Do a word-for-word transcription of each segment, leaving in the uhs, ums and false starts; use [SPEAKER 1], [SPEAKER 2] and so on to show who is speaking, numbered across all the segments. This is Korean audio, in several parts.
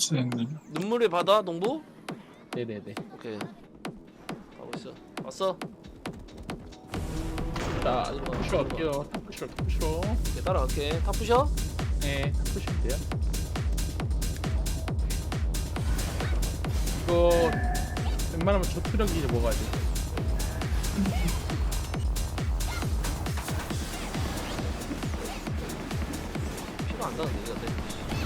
[SPEAKER 1] 있어 형님.
[SPEAKER 2] 눈물의 바다 농부?
[SPEAKER 3] 네네네.
[SPEAKER 2] 오케이. 가고 있어. 왔어.
[SPEAKER 3] 자, 푸시로 할게요. 푸시로, 푸시로.
[SPEAKER 2] 오케이, 따라갈게. 탑 부셔?
[SPEAKER 3] 네, 푸시면 돼요. 이거 웬만하면 저투력이 이제 먹어야 돼.
[SPEAKER 2] 피가 안 나는데 이거 어때?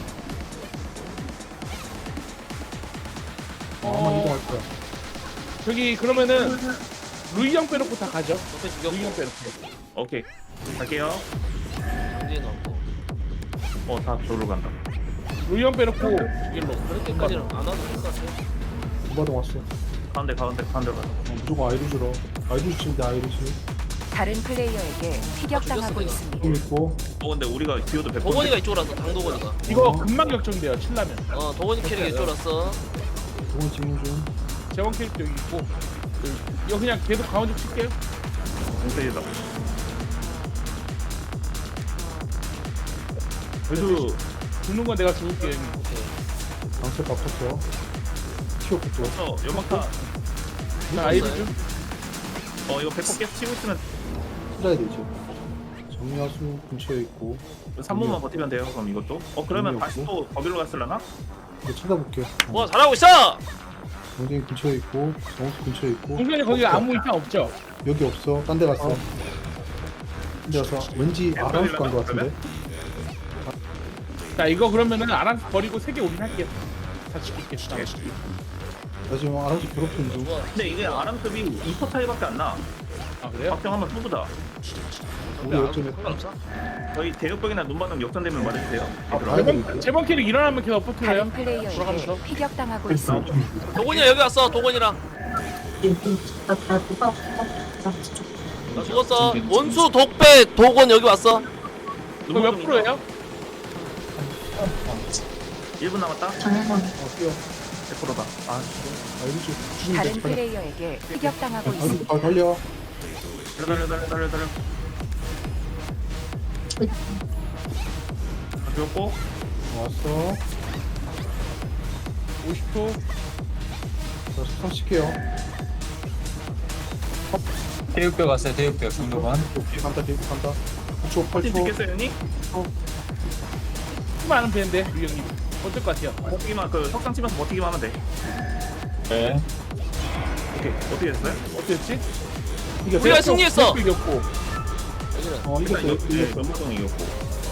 [SPEAKER 4] 아마 이동할 거야.
[SPEAKER 3] 저기 그러면은 루이 형 빼놓고 다 가죠.
[SPEAKER 2] 옆에
[SPEAKER 3] 루이 형
[SPEAKER 2] 죽였고
[SPEAKER 3] 빼놓고.
[SPEAKER 5] 오케이 갈게요.
[SPEAKER 2] 강진이 넣었고
[SPEAKER 5] 어다 저로 간다.
[SPEAKER 3] 루이 형 빼놓고 죽일로.
[SPEAKER 2] 그렇게까지는 안 와도 될 것 같아.
[SPEAKER 4] 두바동 왔어.
[SPEAKER 5] 가운데 가운데 가운데 가자.
[SPEAKER 4] 어, 무조건 아이루즈로. 아이루즈 치면 돼, 아이루즈.
[SPEAKER 6] 다른 플레이어에게 피격당하고
[SPEAKER 2] 아,
[SPEAKER 6] 있습니다.
[SPEAKER 4] 좀 있고.
[SPEAKER 5] 어 근데 우리가 기어도 백 번.
[SPEAKER 2] 도건이가 이쪽으로 왔어. 당도건이가.
[SPEAKER 3] 이거
[SPEAKER 4] 어.
[SPEAKER 3] 금방 역전돼요. 칠라면.
[SPEAKER 2] 어 도건이 캐릭이 이쪽으로 왔어.
[SPEAKER 4] 두번 찍는 중.
[SPEAKER 3] 재원 캐릭터 여기 있고. 여기. 이거 그냥 계속 가운데 칠게요.
[SPEAKER 5] 공세이다. 그래도
[SPEAKER 3] 죽는 건 내가 죽을게.
[SPEAKER 2] 오케이.
[SPEAKER 4] 방세 바꿨어. 튀어부터.
[SPEAKER 5] 저 연막타.
[SPEAKER 3] 자, 아이리 좀.
[SPEAKER 5] 어 이거 백 번 계속 치고 있으면
[SPEAKER 4] 찾아야 되지. 정야수 근처에 있고.
[SPEAKER 5] 삼 분만 버티면 돼요. 그럼 이것도. 어 그러면
[SPEAKER 4] 의미
[SPEAKER 5] 다시
[SPEAKER 4] 없고.
[SPEAKER 5] 또 거기로 갔을라나?
[SPEAKER 4] 이거 찾아볼게.
[SPEAKER 2] 와 잘하고 있어.
[SPEAKER 4] 경쟁이 근처에 있고. 정수 근처에 있고.
[SPEAKER 3] 동생이 거기
[SPEAKER 4] 없어.
[SPEAKER 3] 아무 이상 없죠?
[SPEAKER 4] 여기 없어. 딴 데 갔어.
[SPEAKER 3] 어.
[SPEAKER 4] 딴 데 가서 왠지 아라우스 간거 같은데.
[SPEAKER 3] 자, 이거 그러면은 아랑스 버리고 세 개 올인할게요. 다 지킬게. 다 지킬게.
[SPEAKER 4] 나 지금 아라우스 괴롭히는 중.
[SPEAKER 2] 좋아.
[SPEAKER 5] 근데 이게 아람급이 이 퍼 차이밖에 안 나.
[SPEAKER 3] 아, 그래요?
[SPEAKER 5] 박정 한번 쏘보자.
[SPEAKER 4] 우리 역전했다.
[SPEAKER 2] 상관없어.
[SPEAKER 5] 저희 대역벽이나 눈바닥 역전되면 말해주세요.
[SPEAKER 4] 아,
[SPEAKER 5] 얘들아.
[SPEAKER 4] 아이고.
[SPEAKER 3] 제번, 제번 캐릭 일어나면 계속 버텨요.
[SPEAKER 6] 다른 플레이어에게
[SPEAKER 3] 돌아가면서.
[SPEAKER 6] 피격당하고 있습니다.
[SPEAKER 2] 도건이야 여기 왔어. 도건이랑. 나 죽었어. 원수 독배 도건 여기 왔어.
[SPEAKER 3] 이거 몇 프로예요?
[SPEAKER 5] 일 분 남았다.
[SPEAKER 4] 어, 뛰어.
[SPEAKER 5] 백 퍼센트다. 아,
[SPEAKER 4] 아이루즈 죽이면
[SPEAKER 6] 다른
[SPEAKER 4] 돼. 빨리.
[SPEAKER 6] 플레이어에게 피격당하고
[SPEAKER 4] 아이루즈
[SPEAKER 6] 있습니다.
[SPEAKER 4] 발 달려.
[SPEAKER 5] 달려 달려 달려 달려 달려. 아, 죽였고.
[SPEAKER 4] 왔어.
[SPEAKER 3] 오십 초.
[SPEAKER 4] 자, 스탑시켜요.
[SPEAKER 1] 대육벽 왔어요. 대육벽 정도만.
[SPEAKER 4] 오케이, 간다, 데이트 간다. 구 초, 팔
[SPEAKER 5] 팀
[SPEAKER 4] 초.
[SPEAKER 5] 듣겠어요, 형님?
[SPEAKER 3] 수많은 배인데, 류 형님. 어떨 것 같아요?
[SPEAKER 5] 버티기만 그 석상 치면서 버티기만 하면 돼.
[SPEAKER 1] 네.
[SPEAKER 5] 오케이. 어떻게 됐어요?
[SPEAKER 3] 어땠지?
[SPEAKER 4] 이게
[SPEAKER 2] 우리가 승리했어.
[SPEAKER 3] 이겼고.
[SPEAKER 2] 여기는.
[SPEAKER 4] 어,
[SPEAKER 5] 일단
[SPEAKER 4] 이겼어.
[SPEAKER 5] 이거 네,
[SPEAKER 4] 이겼어.
[SPEAKER 5] 면목성 이겼고.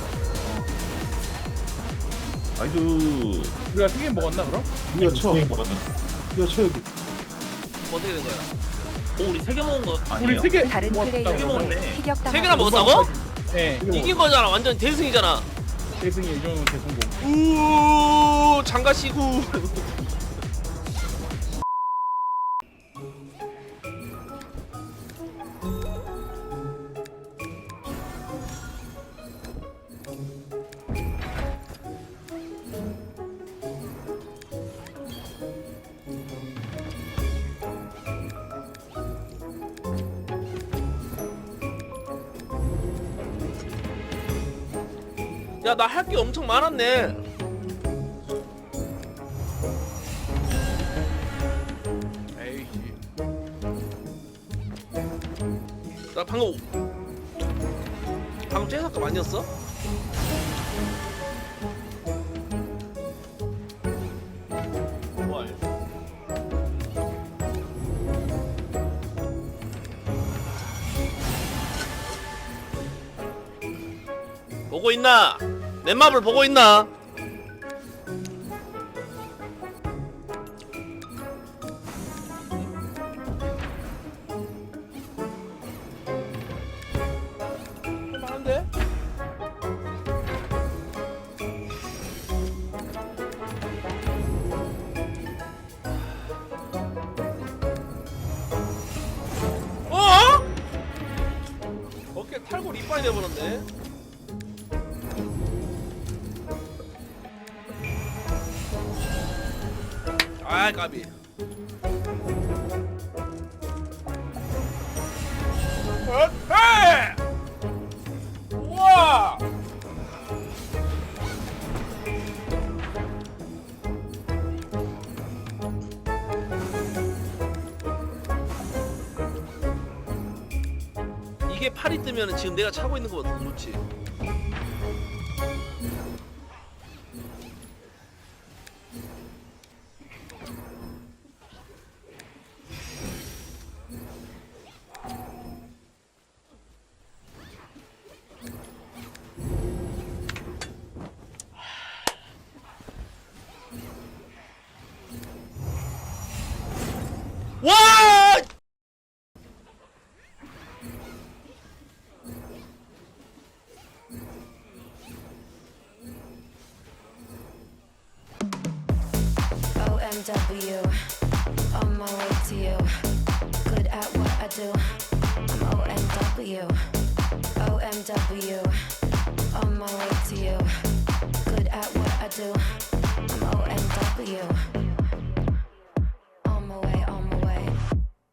[SPEAKER 5] 아이두.
[SPEAKER 3] 우리가 세 개 먹었나, 그럼?
[SPEAKER 4] 이거 쳐. 이거 쳐, 여기.
[SPEAKER 2] 어떻게 된 거야?
[SPEAKER 5] 오, 우리 세 개 먹은 거
[SPEAKER 3] 우리
[SPEAKER 5] 아니에요?
[SPEAKER 3] 세 개.
[SPEAKER 6] 다른
[SPEAKER 3] 먹었다고.
[SPEAKER 6] 플레이어에게
[SPEAKER 5] 먹었네.
[SPEAKER 2] 세 개나
[SPEAKER 6] 피격당하고
[SPEAKER 2] 먹었다고?
[SPEAKER 3] 네.
[SPEAKER 2] 이긴 거잖아. 완전 대승이잖아.
[SPEAKER 3] 대승이 이 정도면 대성공.
[SPEAKER 2] 우 장가시구. 야 나 할 게 엄청 많았네. 에이씨. 나 방금 방금 째삭감 아니었어? 뭘? 보고 있나? 내 맵을 보고 있나? 많은데? 어? 어깨 탈골 이빨이 돼버렸네. 아 까비. 헤! 우와! 이게 팔이 뜨면은 지금 내가 차고 있는 거보다 더 좋지. 와!
[SPEAKER 7] O M W, on my way to you. Good at what I do. I'm O M W, O M W, on my way to you. Good at what I do. I'm O M W.